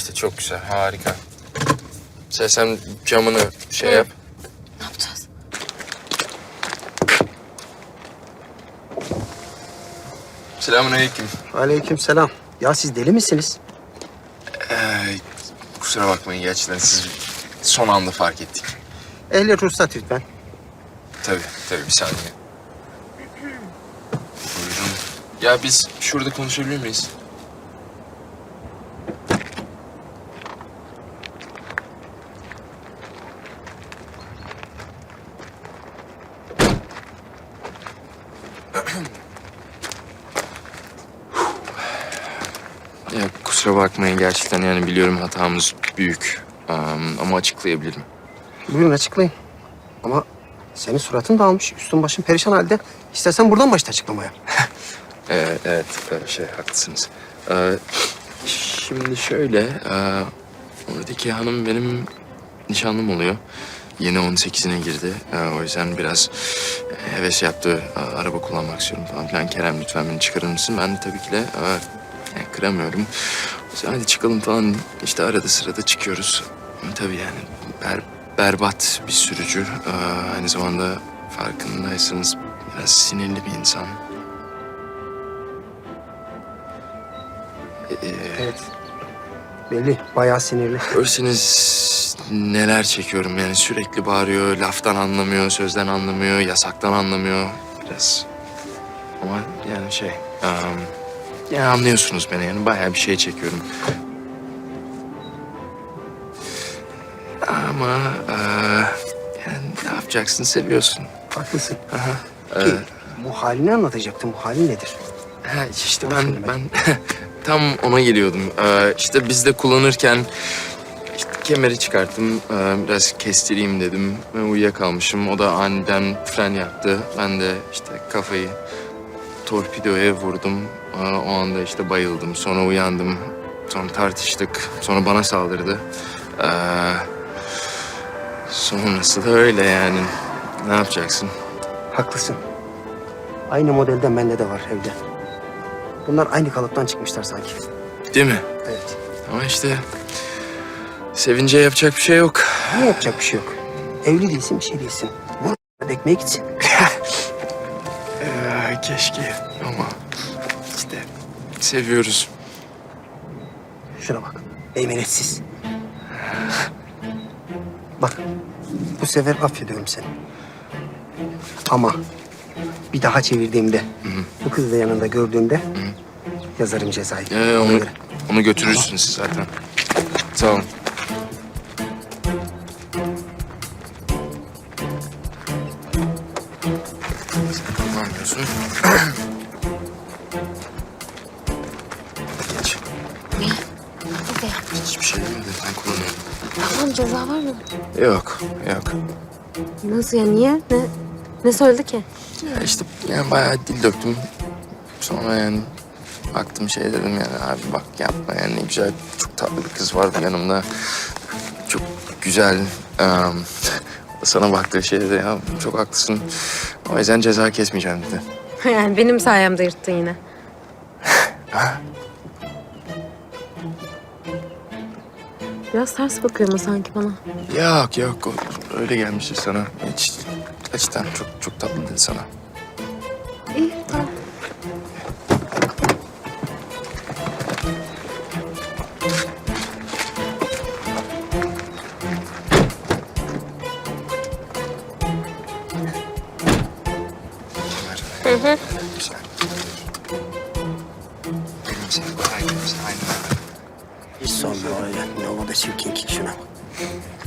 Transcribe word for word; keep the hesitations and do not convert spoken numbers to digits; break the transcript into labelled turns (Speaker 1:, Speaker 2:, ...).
Speaker 1: işte çok güzel, harika. Sen, sen camını şey
Speaker 2: Hı.
Speaker 1: yap.
Speaker 2: Ne yapacağız?
Speaker 1: Selamünaleyküm.
Speaker 3: Aleykümselam. Ya siz deli misiniz?
Speaker 1: Ee, kusura bakmayın gerçekten siz son anda fark ettik.
Speaker 3: Ehliyet ruhsat lütfen.
Speaker 1: Tabii, tabii bir saniye. Buyurun. Ya biz şurada konuşabilir miyiz? Ya kusura bakmayın gerçekten yani biliyorum hatamız büyük. Am, ama açıklayabilirim.
Speaker 3: Buyurun açıklayın. Ama senin suratın dağılmış, üstün başın perişan halde. İstersen buradan başla açıklamaya.
Speaker 1: Ee, evet, e, şey haklısınız. Ee, şimdi şöyle, e, oradaki hanım benim nişanlım oluyor. Yeni on sekizine girdi. Ee, o yüzden biraz heves yaptı. Ee, araba kullanmak istiyorum falan filan. Kerem lütfen beni çıkarır mısın? Ben de tabii ki de e, yani kıramıyorum. O yüzden hadi çıkalım falan. İşte arada sırada çıkıyoruz. Tabii yani ber, berbat bir sürücü. Ee, aynı zamanda farkındaysanız biraz sinirli bir insan. Ee,
Speaker 3: Evet. Belli, bayağı sinirli.
Speaker 1: Görseniz neler çekiyorum yani sürekli bağırıyor, laftan anlamıyor, sözden anlamıyor, yasaktan anlamıyor biraz. Ama yani şey, um, ya anlıyorsunuz beni yani bayağı bir şey çekiyorum. Ama e, yani ne yapacaksın, seviyorsun.
Speaker 3: Haklısın.
Speaker 1: Aha.
Speaker 3: Ki
Speaker 1: Ee,
Speaker 3: bu halini anlatacaktım. Bu halin nedir?
Speaker 1: Ha, işte
Speaker 3: Onu
Speaker 1: ben
Speaker 3: söyle
Speaker 1: ben tam ona geliyordum. Ee, işte biz de kullanırken işte kemeri çıkarttım. Ee, biraz kestireyim dedim. Ben uyuyakalmışım. O da aniden fren yaptı. Ben de işte kafayı torpidoya vurdum. Ee, o anda işte bayıldım. Sonra uyandım. Sonra tartıştık. Sonra bana saldırdı. Ee, sonrası da öyle yani. Ne yapacaksın?
Speaker 3: Haklısın. Aynı modelden bende de var evde. Bunlar aynı kalıptan çıkmışlar sanki.
Speaker 1: Değil mi?
Speaker 3: Evet.
Speaker 1: Ama işte sevince yapacak bir şey yok.
Speaker 3: Ne yapacak bir şey yok. Evli değilsin, bir şey değilsin. Vur ekmeğe gitsin.
Speaker 1: Ee, keşke ama işte seviyoruz.
Speaker 3: Şuna bak. Meymenetsiz. Bak. Bu sefer affediyorum seni. Ama bir daha çevirdiğimde, bu kızı da yanında gördüğümde yazarım cezayı.
Speaker 1: Ee,
Speaker 3: Ona
Speaker 1: onu,
Speaker 3: göre.
Speaker 1: onu götürürsünüz siz zaten. Sağ olun. Sen kullanmıyorsun. Geç.
Speaker 2: Ne? Hadi.
Speaker 1: Hiçbir şey demedi. Ben kullanıyorum.
Speaker 2: Tamam, ceza var mı?
Speaker 1: Yok, yok.
Speaker 2: Nasıl ya, niye? Ne, ne söyledi ki?
Speaker 1: Ya işte yani bayağı dil döktüm. Sonra yani baktım şey dedim yani abi bak yapma yani ne güzel çok tatlı bir kız vardı yanımda. Çok güzel. Um, sana baktığı şey dedi ya çok haklısın. O yüzden ceza kesmeyeceğim dedi.
Speaker 2: Yani benim sayemde yırttın yine. Biraz ters bakıyor mu sanki bana?
Speaker 1: Yok yok o- öyle gelmiştir sana. Hiç gerçekten çok çok tatlı dedi sana.
Speaker 2: İyi, tamam.
Speaker 1: Hı hı. Güzel. Elimize, elimize, aynen öyle.
Speaker 3: Hiç sorma öyle. Ne oldu da çirkin ki şuna bak.